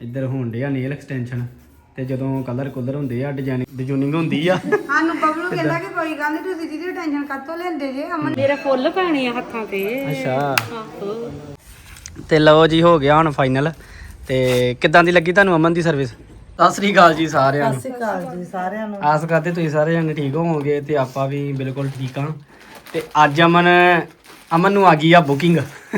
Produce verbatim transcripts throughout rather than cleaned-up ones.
ਇੱਧਰ ਹੋਣ ਡਿਆ ਨੇਲ ਐਕਸਟੈਂਸ਼ਨ ਤੇ ਜਦੋਂ ਕਲਰ ਕੁਲਰ ਹੁੰਦੇ ਆ ਡਿਜ਼ਾਈਨਿੰਗ ਡਿਜ਼ਾਈਨਿੰਗ ਹੁੰਦੀ ਆ ਸਾਨੂੰ ਬਬਲੂ ਕਹਿੰਦਾ ਕਿ ਕੋਈ ਗੱਲ ਨਹੀਂ ਤੁਸੀਂ ਦੀਦੀ ਟੈਨਸ਼ਨ ਕਾਤੋਂ ਲੈਂਦੇ ਜੇ ਅਮਨ ਮੇਰੇ ਫੁੱਲ ਪੈਣੇ ਆ ਹੱਥਾਂ ਤੇ। ਅੱਛਾ ਆਹੋ ਤੇ ਲਓ ਜੀ ਹੋ ਗਿਆ ਹੁਣ ਫਾਈਨਲ। ਤੇ ਕਿੱਦਾਂ ਦੀ ਲੱਗੀ ਤੁਹਾਨੂੰ ਅਮਨ ਦੀ ਸਰਵਿਸ? ਸਤਿ ਸ੍ਰੀ ਅਕਾਲ ਜੀ ਸਾਰਿਆਂ ਨੂੰ। ਸਤਿ ਸ਼੍ਰੀ ਅਕਾਲ ਜੀ ਸਾਰਿਆਂ ਨੂੰ। ਆਸ ਕਰਦੇ ਤੁਸੀਂ ਸਾਰੇ ਜਣੇ ਠੀਕ ਹੋਵੋਗੇ ਤੇ ਆਪਾਂ ਵੀ ਬਿਲਕੁਲ ਠੀਕ ਹਾਂ। ਤੇ ਅੱਜ ਅਮਨ ਅਮਨ ਨੂੰ ਆ ਗਈ ਆ ਬੁਕਿੰਗ।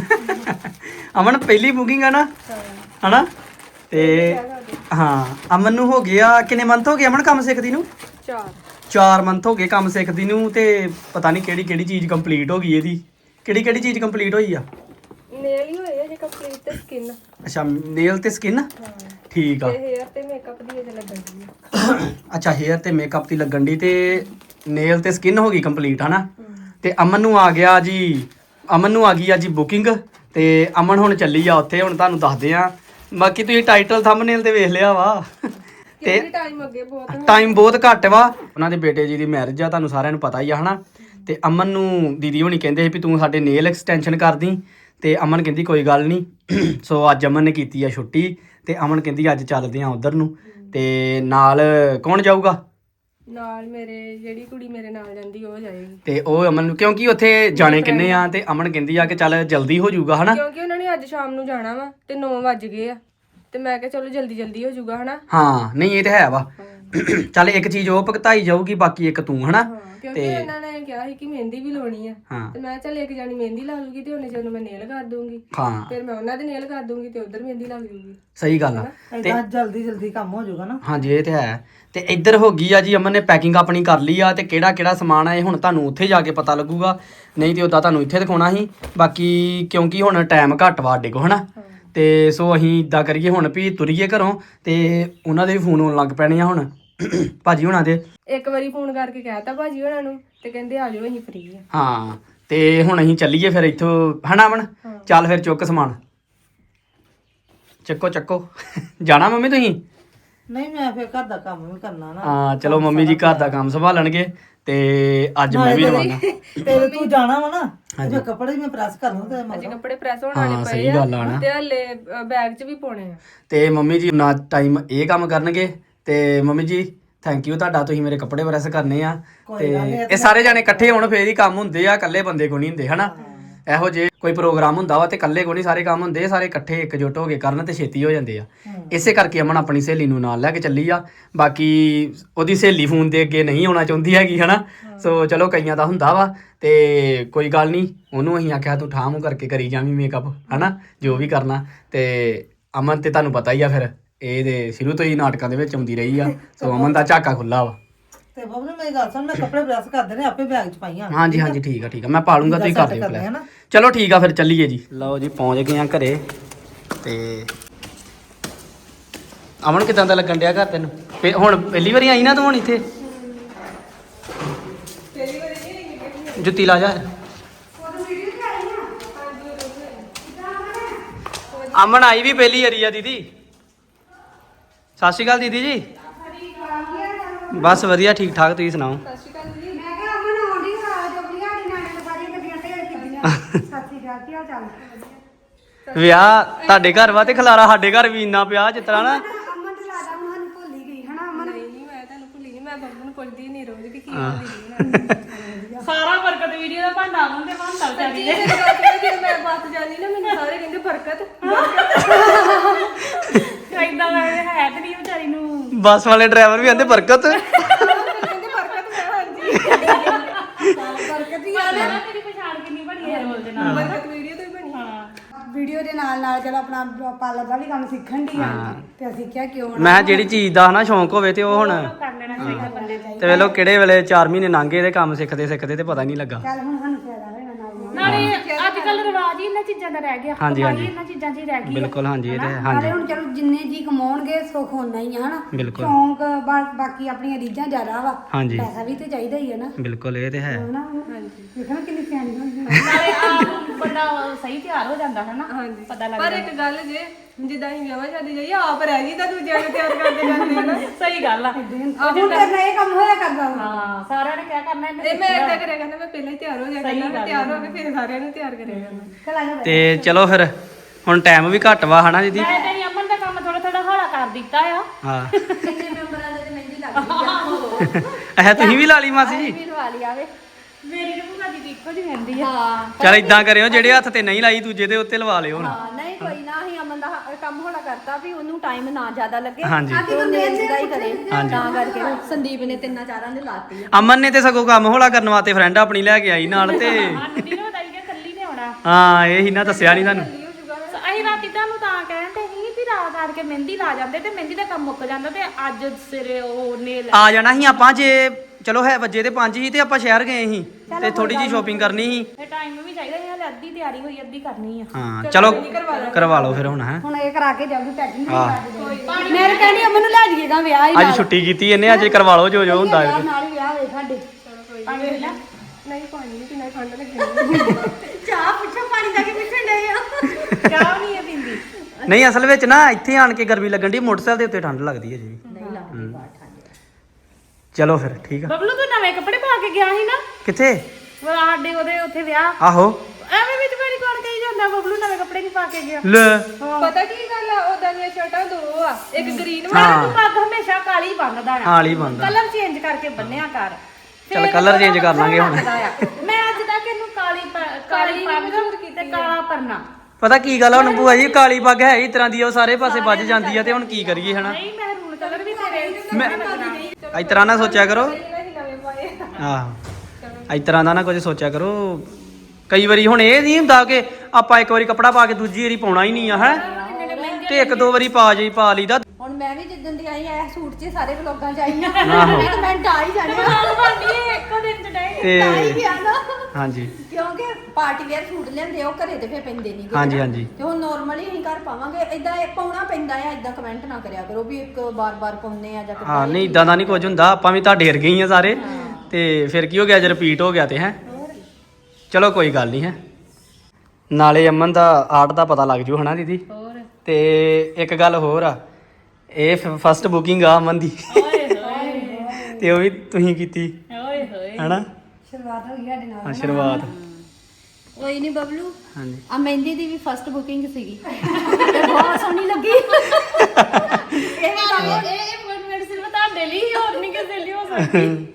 ਅਮਨ ਪਹਿਲੀ ਬੁਕਿੰਗ ਆ ਨਾ ਹਨਾ? ਤੇ ਹਾਂ ਅਮਨ ਨੂੰ ਹੋ ਗਿਆ ਕਿੰਨੇ ਮੰਥ ਹੋ ਗਏ ਅਮਨ ਕੰਮ ਸਿੱਖਦੀ ਨੂੰ? ਚਾਰ ਚਾਰ ਮੰਥ ਹੋ ਗਏ ਕੰਮ ਸਿੱਖਦੀ ਨੂੰ। ਤੇ ਪਤਾ ਨਹੀਂ ਕਿਹੜੀ ਕਿਹੜੀ ਚੀਜ਼ ਕੰਪਲੀਟ ਹੋ ਗਈ ਇਹਦੀ। ਕਿਹੜੀ ਕਿਹੜੀ ਚੀਜ਼ ਕੰਪਲੀਟ ਹੋਈ ਆ? ਨੇਲ ਹੀ ਹੋਏ ਆ ਜੇ ਕੰਪਲੀਟ ਤੇ ਸਕਿਨ। ਅੱਛਾ ਨੇਲ ਤੇ ਸਕਿਨ ਠੀਕ ਆ। ਤੇ ਹੇਅਰ ਤੇ ਮੇਕਅਪ ਦੀ ਅਜੇ ਲੱਗਣ ਦੀ। ਅੱਛਾ ਹੇਅਰ ਤੇ ਮੇਕਅਪ ਦੀ ਲੱਗਣ ਦੀ ਤੇ ਨੇਲ ਤੇ ਸਕਿਨ ਹੋ ਗਈ ਕੰਪਲੀਟ ਹਨਾ? ਤੇ ਅਮਨ ਨੂੰ ਆ ਗਿਆ ਜੀ ਅਮਨ ਨੂੰ ਆ ਗਈ ਆ ਜੀ ਬੁਕਿੰਗ। ਤੇ ਅਮਨ ਹੁਣ ਚੱਲੀ ਆ ਉੱਥੇ। ਹੁਣ ਤੁਹਾਨੂੰ ਦੱਸਦੇ ਆ ਬਾਕੀ ਤੁਸੀਂ ਟਾਈਟਲ ਥੰਬਨੇਲ ਤੇ ਵੇਖ ਲਿਆ ਵਾ। ਤੇ ਟਾਈਮ ਅੱਗੇ ਬਹੁਤ ਟਾਈਮ ਬਹੁਤ ਘੱਟ ਵਾ। ਉਹਨਾਂ ਦੇ ਬੇਟੇ ਜੀ ਦੀ ਮੈਰਿਜ ਆ ਤੁਹਾਨੂੰ ਸਾਰਿਆਂ ਨੂੰ ਪਤਾ ਹੀ ਆ ਹਨਾ? ਤੇ ਅਮਨ ਨੂੰ ਦੀਦੀ ਹੋਣੀ ਕਹਿੰਦੇ ਸੀ ਵੀ ਤੂੰ ਸਾਡੇ ਨੇਲ ਐਕਸਟੈਂਸ਼ਨ ਕਰਦੀ। ਤੇ ਅਮਨ ਕਹਿੰਦੀ ਕੋਈ ਗੱਲ ਨਹੀਂ। ਸੋ ਅੱਜ ਅਮਨ ਨੇ ਕੀਤੀ ਆ ਛੁੱਟੀ। ਤੇ ਅਮਨ ਕਹਿੰਦੀ ਅੱਜ ਚੱਲਦੇ ਆ ਉਧਰ ਨੂੰ। ਤੇ ਨਾਲ ਕੌਣ ਜਾਊਗਾ? ਨਾਲ ਮੇਰੇ ਜਿਹੜੀ ਕੁੜੀ ਮੇਰੇ ਨਾਲ ਜਾਂਦੀ ਉਹ ਜਾਏਗੀ। ਤੇ ਉਹ ਅਮਨ ਨੂੰ ਕਿਉਂਕਿ ਉੱਥੇ ਜਾਣੇ ਕਿੰਨੇ ਆ ਤੇ ਅਮਨ ਕਹਿੰਦੀ ਆ ਕਿ ਚੱਲ ਜਲਦੀ ਹੋ ਜਾਊਗਾ ਹਨਾ? ਕਿਉਂਕਿ ਉਹਨਾਂ ਨੇ ਅੱਜ ਸ਼ਾਮ ਨੂੰ ਜਾਣਾ ਵਾ ਤੇ ਨੌ ਵੱਜ ਗਏ ਆ ਤੇ ਮੈਂ ਕਿਹਾ ਚਲੋ ਜਲਦੀ ਜਲਦੀ ਹੋ ਜਾਊਗਾ ਹਨਾ? ਹਾਂ ਨਹੀਂ ਇਹ ਤਾਂ ਹੈ ਵਾ। ਚੱਲ ਇੱਕ ਚੀਜ਼ ਉਹ ਭੁਗਤਾਈ ਜਾਊਗੀ ਬਾਕੀ ਇੱਕ ਤੂੰ ਹਨਾ? ਕਿਉਂਕਿ ਇਹਨਾਂ ਨੇ ਕਿਹਾ ਸੀ ਕਿ ਮਹਿੰਦੀ ਵੀ ਲਾਉਣੀ ਆ ਹਾਂ ਤੇ ਮੈਂ ਚੱਲ ਇੱਕ ਜਾਨੀ ਮਹਿੰਦੀ ਲਾ ਲੂਗੀ ਤੇ ਉਹਨੇ ਜਦੋਂ ਮੈਂ ਨੇਲ ਕਰ ਦੂੰਗੀ ਹਾਂ ਫਿਰ ਮੈਂ ਉਹਨਾਂ ਦੇ ਨੇਲ ਕਰ ਦੂੰਗੀ ਤੇ ਉਧਰ ਮਹਿੰਦੀ ਲੱਗ ਜੂਗੀ। ਸਹੀ ਗੱਲ ਆ। ਇਦਾਂ ਜਲਦੀ ਜਲਦੀ ਕੰਮ ਹੋ ਜਾਊਗਾ ਨਾ। ਹਾਂਜੀ ਇਹ ਤੇ ਹੈ। ਤੇ ਇੱਧਰ ਹੋ ਗਈ ਆ ਜੀ ਅਮਨ ਨੇ ਪੈਕਿੰਗ ਆਪਣੀ ਕਰ ਲਈ ਆ। ਤੇ ਕਿਹੜਾ ਕਿਹੜਾ ਸਮਾਨ ਆ ਇਹ ਹੁਣ ਤੁਹਾਨੂੰ ਉੱਥੇ ਜਾ ਕੇ ਪਤਾ ਲੱਗੂਗਾ। ਨਹੀਂ ਤੇ ਉਦਾਂ ਤੁਹਾਨੂੰ ਇੱਥੇ ਦਿਖਾਉਣਾ ਸੀ ਬਾਕੀ ਕਿਉਂਕਿ ਹੁਣ ਟਾਈਮ ਘੱਟ ਵਾ ਸਾਡੇ ਕੋਲ ਹਨਾ? ਤੇ ਸੋ ਅਸੀਂ ਇਦਾਂ ਕਰੀਏ ਹੁਣ ਵੀ ਤੁਰੀਏ ਘਰੋਂ ਤੇ ਉਹਨਾਂ ਦੇ ਵੀ ਫੋਨ ਆਉਣ ਲੱਗ ਪੈਣੇ ਆ ਹੁਣ ਭਾਜੀ ਹੁਣਾਂ ਦੇ। ਇੱਕ ਵਾਰੀ ਫੋਨ ਕਰਕੇ ਕਹਿਤਾ ਭਾਜੀ ਉਹਨਾਂ ਨੂੰ ਤੇ ਕਹਿੰਦੇ ਆ ਜਾਓ ਅਸੀਂ ਫ੍ਰੀ ਆ। ਹਾਂ ਤੇ ਹੁਣ ਅਸੀਂ ਚੱਲੀਏ ਫਿਰ ਇੱਥੋਂ ਹਨਾ ਅਮਨ? ਚੱਲ ਫਿਰ ਚੁੱਕ ਸਮਾਨ ਚੱਕੋ ਚੱਕੋ। ਜਾਣਾ ਮੰਮੀ ਤੁਸੀਂ? ਨਹੀਂ ਮੈਂ ਫਿਰ ਘਰ ਦਾ ਕੰਮ ਵੀ ਕਰਨਾ ਨਾ। ਹਾਂ ਚਲੋ ਮੰਮੀ ਜੀ ਘਰ ਦਾ ਕੰਮ ਸੰਭਾਲਣਗੇ ਤੇ ਅੱਜ ਮੈਂ ਵੀ ਰਵਾਨਾ। ਤੇ ਤੂੰ ਜਾਣਾ ਵਾ ਨਾ ਤੇ ਕੱਪੜੇ ਵੀ ਮੈਂ ਪ੍ਰੈਸ ਕਰ ਲਵਾਂ ਤੇ ਅੱਜ ਕੱਪੜੇ ਪ੍ਰੈਸ ਹੋਣ ਵਾਲੇ ਹਾਂ ਪਏ ਸਹੀ ਆ ਗੱਲ ਆ ਨਾ? ਤੇ ਹਲੇ ਬੈਗ 'ਚ ਵੀ ਪਾਉਣੇ ਆ। ਤੇ ਮੰਮੀ ਜੀ ਨਾ ਟਾਈਮ ਇਹ ਕੰਮ ਕਰਨਗੇ। ਤੇ ਮੰਮੀ ਜੀ ਥੈਂਕ ਯੂ ਤੁਹਾਡਾ ਤੁਸੀਂ ਮੇਰੇ ਕੱਪੜੇ ਪ੍ਰੈਸ ਕਰਨੇ ਆ। ਤੇ ਇਹ ਸਾਰੇ ਜਾਣੇ ਇਕੱਠੇ ਹੋਣ ਫੇਰ ਹੀ ਕੰਮ ਹੁੰਦੇ ਆ। ਇਕੱਲੇ ਬੰਦੇ ਕੋ ਨਹੀਂ ਹੁੰਦੇ ਹਨਾ? ਇਹੋ ਜੇ ਕੋਈ ਪ੍ਰੋਗਰਾਮ ਹੁੰਦਾ ਵਾ ਤੇ ਇਕੱਲੇ ਕੋ ਨਹੀਂ ਸਾਰੇ ਕੰਮ ਹੁੰਦੇ। ਸਾਰੇ ਇਕੱਠੇ ਇਕਜੁੱਟ ਹੋ ਕੇ ਕਰਨ ਤੇ ਛੇਤੀ ਹੋ ਜਾਂਦੇ ਆ। ਇਸੇ ਕਰਕੇ ਅਮਨ ਆਪਣੀ ਸਹੇਲੀ ਨੂੰ ਨਾਲ ਲੈ ਕੇ ਚੱਲੀ ਆ। ਬਾਕੀ ਉਹਦੀ ਸਹੇਲੀ ਫੋਨ ਦੇ ਅੱਗੇ ਨਹੀਂ ਆਉਣਾ ਚਾਹੁੰਦੀ ਹੈਗੀ ਹਨਾ? ਸੋ ਚਲੋ ਕਈਆਂ ਦਾ ਹੁੰਦਾ ਵਾ ਤੇ ਕੋਈ ਗੱਲ ਨਹੀਂ। ਉਹਨੂੰ ਅਸੀਂ ਆਖਿਆ ਤੂੰ ਠਾਹ ਮੂੰਹ ਕਰਕੇ ਕਰੀ ਜਾਵੀਂ ਮੇਕਅਪ ਹਨਾ ਜੋ ਵੀ ਕਰਨਾ। ਤੇ ਅਮਨ ਤੇ ਤੁਹਾਨੂੰ ਪਤਾ ਹੀ ਆ ਫਿਰ ਇਹਦੇ ਸ਼ੁਰੂ ਤੋਂ ਹੀ ਨਾਟਕਾਂ ਦੇ ਵਿੱਚ ਆਉਂਦੀ ਰਹੀ ਆ। ਸੋ ਅਮਨ ਦਾ ਝਾਕਾ ਖੁੱਲਾ ਵਾ। ਤੇ ਬਬਲੂ ਮੇਰੀ ਗੱਲ ਸੁਣ ਮੈਂ ਕੱਪੜੇ ਪ੍ਰੈਸ ਕਰ ਦੇਣੇ ਆਪੇ ਬੈਗ 'ਚ ਪਾਈਆਂ। ਹਾਂਜੀ ਹਾਂਜੀ ਠੀਕ ਆ ਠੀਕ ਆ ਮੈਂ ਪਾ ਲੂੰਗਾ ਤੁਸੀਂ ਕਰ ਦਿਓ ਪਲੈਨ। ਚਲੋ ਠੀਕ ਆ ਫਿਰ ਚੱਲੀਏ ਜੀ। ਲਓ ਜੀ ਪਹੁੰਚ ਗਏ ਆ ਘਰੇ। ਤੇ ਅਮਨ ਕਿਦਾਂ ਦਾ ਲੱਗਣ ਡਿਆ ਘਰ ਤੈਨੂੰ? ਫੇ ਹੁਣ ਪਹਿਲੀ ਵਾਰੀ ਆਈ ਨਾ ਤੂੰ ਹੁਣ ਇੱਥੇ? ਜੁੱਤੀ ਲਾ ਜਾ। ਅਮਨ ਆਈ ਵੀ ਪਹਿਲੀ ਵਾਰੀ ਆ ਦੀਦੀ। ਸਤਿ ਸ਼੍ਰੀ ਅਕਾਲ ਦੀਦੀ ਜੀ। ਬਸ ਵਧੀਆ ਠੀਕ ਠਾਕ ਤੁਸੀਂ ਸੁਣਾਓ? ਮੈਂ ਕਿਹਾ ਅਮਨ ਆਉਂਦੀ ਆ ਜੋਬਲੀ ਸਾਡੀ ਨਾਨੀ ਦੇ ਬਾਰੇ ਗੱਡੀਆਂ ਢੇਰ ਕੀਤੀਆਂ। ਸੱਚੀ ਗੱਲ ਕੀ ਹਾਲ ਚਾਲ? ਵਿਆਹ ਤੁਹਾਡੇ ਘਰ ਵਾ ਤੇ ਖਲਾਰਾ ਸਾਡੇ ਘਰ ਵੀ ਇੰਨਾ ਪਿਆ ਜਿਸ ਤਰ੍ਹਾਂ ਨਾ। ਅਮਨ ਤੇ ਲਾਦਾ ਨੂੰ ਸਾਨੂੰ ਭੁੱਲ ਹੀ ਗਈ ਹਨਾ ਅਮਨ? ਨਹੀਂ ਮੈਂ ਤੁਹਾਨੂੰ ਭੁੱਲੀ ਨਹੀਂ। ਮੈਂ ਬੰਬੂ ਨੂੰ ਪੁੱਛਦੀ ਨਹੀਂ ਰੋਜ਼ ਕਿ ਕੀ ਹੁੰਦੀ ਸਾਰਾ ਬਰਕਤ ਵੀਡੀਓ ਦਾ ਭਾਂਡਾ ਹੁੰਦੇ ਭਾਂਡਾ ਵਿਚਾਰੀ ਦੇ। ਜਦੋਂ ਮੈਂ ਬਾਤ ਜਾਣੀ ਨਾ ਮੈਨੂੰ ਸਾਰੇ ਕਹਿੰਦੇ ਬਰਕਤ ਇਦਾਂ ਹੈ ਤੇ ਨਹੀਂ ਵਿਚਾਰੀ ਨੂੰ। ਬੱਸ ਵਾਲੇ ਡਰਾਈਵਰ ਵੀ ਆਂਦੇ ਬਰਕਤ। ਕਹਿੰਦੇ ਬਰਕਤ ਮੈਂ ਹਾਂਜੀ ਬਰਕਤ ਹੀ ਆ ਨਾ। ਤੇਰੀ ਪਛਾਣ ਕਿੰਨੀ ਬਣੀ ਹੈ ਰੋਲ ਦੇ ਨਾਲ? ਬਰਕਤ ਵੀਡੀਓ ਤੋਂ ਹੀ ਬਣੀ। ਹਾਂ ਵੀਡੀਓ ਦੇ ਨਾਲ ਨਾਲ ਚਲੋ ਆਪਣਾ ਪਾਰਲਰ ਦਾ ਵੀ ਕੰਮ ਸਿੱਖਣ ਦੀ ਆ ਤੇ ਅਸੀਂ ਕਿਹਾ ਕਿਉਂ ਨਾ ਮੈਂ ਜਿਹੜੀ ਚੀਜ਼ ਦਾ ਹਨਾ ਸ਼ੌਂਕ ਹੋਵੇ ਤੇ ਉਹ ਹੁਣ ਕਰ ਲੈਣਾ ਚਾਹੀਦਾ ਬੰਦੇ ਦਾ। ਤੇ ਵੇਲੋ ਕਿਹੜੇ ਵੇਲੇ ਚਾਰ ਮਹੀਨੇ ਲੰਘੇ ਤੇ ਕੰਮ ਸਿੱਖਦੇ ਸਿੱਖਦੇ ਤੇ ਪਤਾ ਨਹੀਂ ਲੱਗਾ। ਚੱਲ ਹੁਣ ਸਾਨੂੰ ਫਾਇਦਾ ਹੋਣਾ ਨਾਲ ਨਾਲੇ ਅੱਜ ਕੱਲ ਰਿਵਾਜ ਹੀ ਇਹਨਾਂ ਚੀਜ਼ਾਂ ਦਾ ਰਹਿ ਗਿਆ। ਹਾਂਜੀ ਹਾਂਜੀ ਇਹਨਾਂ ਚੀਜ਼ਾਂ 'ਚ ਹੀ ਰਹਿ ਗਈ। ਬਿਲਕੁਲ ਹਾਂਜੀ ਇਹ ਤੇ ਨਾਲੇ ਹਾਂਜੀ ਹੁਣ ਚਲੋ ਜਿੰਨੇ ਜੀ ਕਮਾਉਣਗੇ ਸੁੱਖ ਹੋਣਾ ਹੀ ਆ ਹਨਾ? ਬਿਲਕੁਲ ਸ਼ੌਂਕ ਬਾ- ਬਾਕੀ ਆਪਣੀਆਂ ਰੀਝਾਂ ਜ਼ਿਆਦਾ ਵਾ। ਹਾਂਜੀ ਪੈਸਾ ਵੀ ਤੇ ਚਾਹੀਦਾ ਹੀ ਹੈ ਨਾ? ਬਿਲਕੁਲ ਇਹ ਤੇ ਹੈ। ਹਨਾ? ਦੇਖਣਾ ਕਿੰਨੀ ਸਿਆਣੀ ਹੁੰਦੀ ਨਾਲੇ ਆਪ ਬੰਦਾ ਸਹੀ ਤਿਆਰ ਹੋ ਜਾਂਦਾ ਹੈ ਨਾ? ਪਤਾ ਲੱਗਦਾ। ਪਰ ਇੱਕ ਗੱਲ ਜੇ ਜਿੱਦਾਂ ਅਸੀਂ ਵਿਆਹਾਂ ਸ਼ਾਦੀ ਜਾਈਏ ਆਪ ਰਹਿ ਜੀ ਤਾਂ ਦੂਜਿਆਂ ਨੂੰ ਤਿਆਰ ਕਰਦੇ ਜਾਂਦੇ ਨਾ। ਸਹੀ ਗੱਲ ਆ। ਹੁਣ ਕਰਨਾ ਇਹ ਕੰਮ ਹੋਇਆ ਕਰਦਾ ਵਾ। ਹਾਂ ਸਾਰਿਆਂ ਨੇ ਕਿਆ ਕਰਨਾ ਇਹਨੇ? ਮੈਂ ਏਦਾਂ ਕਰਿਆ ਕਰਨਾ ਮੈਂ ਪਹਿਲਾਂ ਹੀ ਤਿਆਰ ਹੋ ਜਾ ਕਰਨਾ। ਮੈਂ ਤਿਆਰ ਹੋ ਕੇ ਫਿਰ ਸਾਰਿਆਂ ਨੂੰ ਤਿਆਰ ਕਰਿਆ ਕਰਨਾ। ਚਲ ਆ ਜਾ ਤੇ ਚਲੋ ਫਿਰ ਹੁਣ ਟਾਈਮ ਵੀ ਘੱਟ ਵਾ ਹਨਾ ਦੀਦੀ? ਮੈਂ ਤੇਰੀ ਅਮਨ ਦਾ ਕੰਮ ਥੋੜਾ ਥੋੜਾ ਹੌਲਾ ਕਰ ਦਿੱਤਾ ਆ ਹਾਂ ਕਿੰਨੇ ਮੈਂਬਰਾਂ ਦੇ ਤੇ ਮਹਿੰਦੀ ਲੱਗਦੀ ਅੱਛਾ ਤੁਸੀਂ ਵੀ ਲਾ ਲਈ ਮਾਸੀ ਜੀ ਵੀ ਲਵਾ ਲਈ ਆਵੇ ਮੇਰੀ ਤੇ ਭੂਆ ਦੀ ਇੱਕੋ ਜਿਹੀ ਮਹਿੰਦੀ ਆ ਹਾਂ ਚਲ ਇਦਾਂ ਕਰਿਓ ਜਿਹੜੇ ਹੱਥ ਤੇ ਨਹੀਂ ਲਾਈ ਦੂਜੇ ਦੇ ਉੱਤੇ ਲਵਾ ਲਿਓ ਹੁਣ ਹਾਂ ਨਹੀਂ ਕੋਈ ਨਾ ਹੀ ਅਮਨ ਦਾ ਹ- ਕੰਮ ਹੋਣਾ ਕਰਤਾ ਵੀ ਉਹਨੂੰ ਟਾਈਮ ਨਾ ਜ਼ਿਆਦਾ ਲੱਗੇ ਹਾਂਜੀ। ਤੇ ਉਹ ਮਿਹਨਤ ਦਾ ਹੀ ਕਰੇ ਹਾਂਜੀ। ਤਾਂ ਕਰਕੇ ਸੰਦੀਪ ਨੇ ਤਿੰਨਾਂ ਚਾਰਾਂ ਦੇ ਲਾਤੀ ਆ ਅਮਨ ਨੇ ਤੇ ਸਗੋਂ ਕੰਮ ਹੌਲਾ ਕਰਨ ਵਾਸਤੇ ਫਰੈਂਡ ਆਪਣੀ ਲੈ ਕੇ ਆਈ ਨਾਲ ਤੇ ਆਂਟੀ ਨੂੰ ਬਤਾਈ ਕਿ ਕੱਲੀ ਨੇ ਆਉਣਾ ਹਾਂ ਇਹ ਹੀ ਨਾ ਦੱਸਿਆ ਨਹੀਂ ਤੁਹਾਨੂੰ ਅਸੀਂ ਰਾਤੀ ਤੁਹਾਨੂੰ ਤਾਂ ਕਹਿੰਦੇ ਸੀ ਵੀ ਰਾਤ ਕਰਕੇ ਮਹਿੰਦੀ ਲਾ ਜਾਂਦੇ ਤੇ ਮਹਿੰਦੀ ਦਾ ਕੰਮ ਮੁੱਕ ਜਾਂਦਾ ਤੇ ਅੱਜ ਸਵੇਰੇ ਉਹ ਨੇਲ ਆ ਜਾਣਾ ਸੀ ਆਪਾਂ ਜੇ ਚਲੋ ਹੈ ਵਜੇ ਤੇ ਪੰਜ ਹੀ ਤੇ ਆਪਾਂ ਸ਼ਹਿਰ ਗਏ ਸੀ ਤੇ ਥੋੜੀ ਜੀ ਸ਼ਾਪਿੰਗ ਕਰਨੀ ਸੀ ਤੇ ਟਾਈਮ ਵੀ ਚਾਹੀਦਾ ਸੀ ਹਲੇ ਅੱਧੀ ਤਿਆਰੀ ਹੋਈ ਅੱਧੀ ਕਰਨੀ ਆ ਹਾਂ ਚਲੋ ਕਰਵਾ ਲਓ ਫਿਰ ਹੁਣ ਹੈ ਹੁਣ ਇਹ ਕਰਾ ਕੇ ਜਾਊਗੀ ਪੈਕਿੰਗ ਹਾਂ ਮੇਰੇ ਕਹਿੰਦੀ ਅਮਨ ਨੂੰ ਲੈ ਜਾਈਏਗਾ ਵਿਆਹ ਹੀ ਅੱਜ ਛੁੱਟੀ ਕੀਤੀ ਇਹਨੇ ਅੱਜ ਕਰਵਾ ਲਓ ਜੋ ਜੋ ਹੁੰਦਾ ਹੈ ਨਾਲ ਹੀ ਵਿਆਹ ਵੇ ਸਾਡੇ ਨਹੀਂ ਪਾਣੀ ਨਹੀਂ ਕਿੰਨਾ ਠੰਡ ਲੱਗੀ ਚਾਹ ਪੁੱਛੋ ਪਾਣੀ ਦਾ ਕੀ ਪੁੱਛਣ ਡਏ ਆ ਚਾਹ ਨਹੀਂ ਪੀਂਦੀ ਨਹੀਂ ਅਸਲ ਵਿੱਚ ਨਾ ਇੱਥੇ ਆਣ ਕੇ ਗਰਮੀ ਲੱਗਣ ਦੀ ਮੋਟਰਸਾਈਕਲ ਦੇ ਉੱਤੇ ਠੰਡ ਲੱਗਦੀ ਹੈ ਜੀ ਨਹੀਂ ਲੱਗਦੀ ਬਾਹਰ ਠੰਡ ਚਲੋ ਫਿਰ ਠੀਕ ਆ ਬਬਲੂ ਤੂੰ ਨਵੇਂ ਕੱਪੜੇ ਪਾ ਕੇ ਗਿਆ ਸੀ ਨਾ ਕਿੱਥੇ ਉਹ ਸਾਡੇ ਉਹਦੇ ਉੱਥੇ ਵਿਆਹ ਆਹੋ ਐਵੇਂ ਵਿੱਚ ਮੇਰੀ ਕੌਣ ਕਹੀ ਜਾਂਦਾ ਬਬਲੂ ਨਵੇਂ ਕੱਪੜੇ ਨਹੀਂ ਪਾ ਕੇ ਗਿਆ ਲੈ ਪਤਾ ਕੀ ਗੱਲ ਆ ਉਹਦਾਂ ਦੀਆਂ ਸ਼ਰਟਾਂ ਦੋ ਆ ਇੱਕ ਗ੍ਰੀਨ ਹਾਂ। ਵਾਲਾ ਤੂੰ ਪੱਗ ਹਮੇਸ਼ਾ ਕਾਲੀ ਬੰਨਦਾ ਆ ਹਾਲ ਹੀ ਬੰਦਾ ਕਲਰ ਚੇਂਜ ਕਰਕੇ ਬੰਨਿਆ ਕਰ ਚੱਲ ਫਿਰ colour ਉਹਦਾ change ਕਰ ਲਾਂਗੇ ਹੁਣ। ਲੱਗਦਾ ਆ। ਮੈਂ ਅੱਜ ਤੱਕ ਇਹਨੂੰ ਕਾਲੀ ਪ- ਕਾਲੀ ਪੱਗ ਤੇ ਕਾਲਾ ਪਰਨਾ ਪਤਾ ਕੀ ਗੱਲ ਆ ਹੁਣ ਭੂਆ ਜੀ ਕਾਲੀ ਪੱਗ ਹੈ ਹੀ ਤਰ੍ਹਾਂ ਦੀ ਆ, ਉਹ ਸਾਰੇ ਪਾਸੇ ਵੱਜ ਜਾਂਦੀ ਆ ਤੇ ਹੁਣ ਕੀ ਕਰੀਏ ਹਨਾ ਨਹੀਂ ਮਹਿਰੂਨ ਕਲਰ ਵੀ ਤੇਰੇ ਮੈਂ ਇਸ ਤਰ੍ਹਾਂ ਨਾ ਸੋਚਿਆ ਕਰੋ ਨਵੇਂ ਪਾਏ ਆਹੋ ਇਸ ਤਰ੍ਹਾਂ ਦਾ ਨਾ ਕੁਝ ਸੋਚਿਆ ਕਰੋ ਕਈ ਵਾਰੀ ਹੁਣ ਇਹ ਨਹੀਂ ਹੁੰਦਾ ਕਿ ਆਪਾਂ ਇੱਕ ਵਾਰੀ ਕੱਪੜਾ ਪਾ ਕੇ ਦੂਜੀ ਵਾਰੀ ਪਾਉਣਾ ਹੀ ਨਹੀਂ ਆ ਹੈ ਤੇ ਇੱਕ ਦੋ ਵਾਰੀ ਪਾ ਜਾਈ ਪਾ ਲਈਦਾ ਹੁਣ ਮੈਂ ਵੀ ਜਿੱਦਣ ਦੀ ਆਈ ਐ ਸੂਟ 'ਚ ਸਾਰੇ ਵਲੋਗਾਂ 'ਚ ਆਈ ਆ ਆਹੋ। ਇੱਕ ਮਿੰਟ ਆ ਹੀ ਜਾਣੇ ਆ ਇੱਕੋ ਦਿਨ ਚ ਡਾਈ ਤੇ ਤਾਂ ਹੀ ਗਿਆ ਨਾ ਹਾਂਜੀ ਕਿਉਂਕਿ ਪਾਰਟੀ ਵੇਅਰ ਸੂਟ ਲੈਂਦੇ ਆ, ਉਹ ਘਰੇ ਤੇ ਫੇਰ ਪੈਂਦੇ ਨਹੀਂ ਹਾਂਜੀ ਹਾਂਜੀ ਤੇ ਹੁਣ ਨਾਰਮਲੀ ਅਸੀਂ ਘਰ ਪਾਵਾਂਗੇ ਇਦਾਂ ਇਹ ਪਾਉਣਾ ਪੈਂਦਾ ਆ ਇਦਾਂ ਕਮੈਂਟ ਨਾ ਕਰਿਆ ਕਰੋ ਵੀ ਇੱਕ ਬਾਰ-ਬਾਰ ਪਾਉਂਦੇ ਆ ਜਾਂ ਕਿੱਦਾਂ ਹਾਂ ਨਹੀਂ ਇਦਾਂ ਦਾ ਨਹੀਂ ਕੁਝ ਹੁੰਦਾ ਆਪਾਂ ਵੀ ਤੁਹਾਡੇ ਵਰਗੇ ਹੀ ਆ ਸਾਰੇ ਤੇ ਫਿਰ ਕੀ ਹੋ ਗਿਆ ਜੇ ਰਿਪੀਟ ਹੋ ਗਿਆ ਤੇ ਹੈ ਚਲੋ ਕੋਈ ਗੱਲ ਨਹੀਂ ਹੈ ਨਾਲੇ ਅਮਨ ਦਾ ਆਰਟ ਦਾ ਪਤਾ ਲੱਗ ਜੂ ਹਨਾ ਦੀਦੀ ਹੋਰ ਤੇ ਇੱਕ ਗੱਲ ਹੋਰ ਆ ਇਹ ਫਸਟ ਬੁਕਿੰਗ ਆ ਅਮਨ ਦੀ ਓਏ ਹੋਏ ਤੇ ਉਹ ਵੀ ਤੁਸੀਂ ਕੀਤੀ ਓਏ ਹੋਏ ਹਨਾ ਸ਼ੁਰੂਆਤ ਹੋ ਗਈ ਸਾਡੇ ਨਾਲ ਹਾਂ ਸ਼ੁਰੂਆਤ ਕੋਈ ਨਹੀਂ ਬਬਲੂ ਹਾਂਜੀ ਆ ਮਹਿੰਦੀ ਦੀ ਵੀ ਫਸਟ ਬੁਕਿੰਗ ਸੀਗੀ ਤੇ ਬਹੁਤ ਸੋਹਣੀ ਲੱਗੀ ਇਹ ਵੀ ਕੰਮ ਇਹ ਇਹ ਅਪਾਇੰਟਮੈਂਟ ਸਿਰਫ ਤੁਹਾਡੇ ਲਈ ਹੀ, ਹੋਰ ਨਹੀਂ ਕਿਸੇ ਲਈ ਹੋ ਸਕਦੀ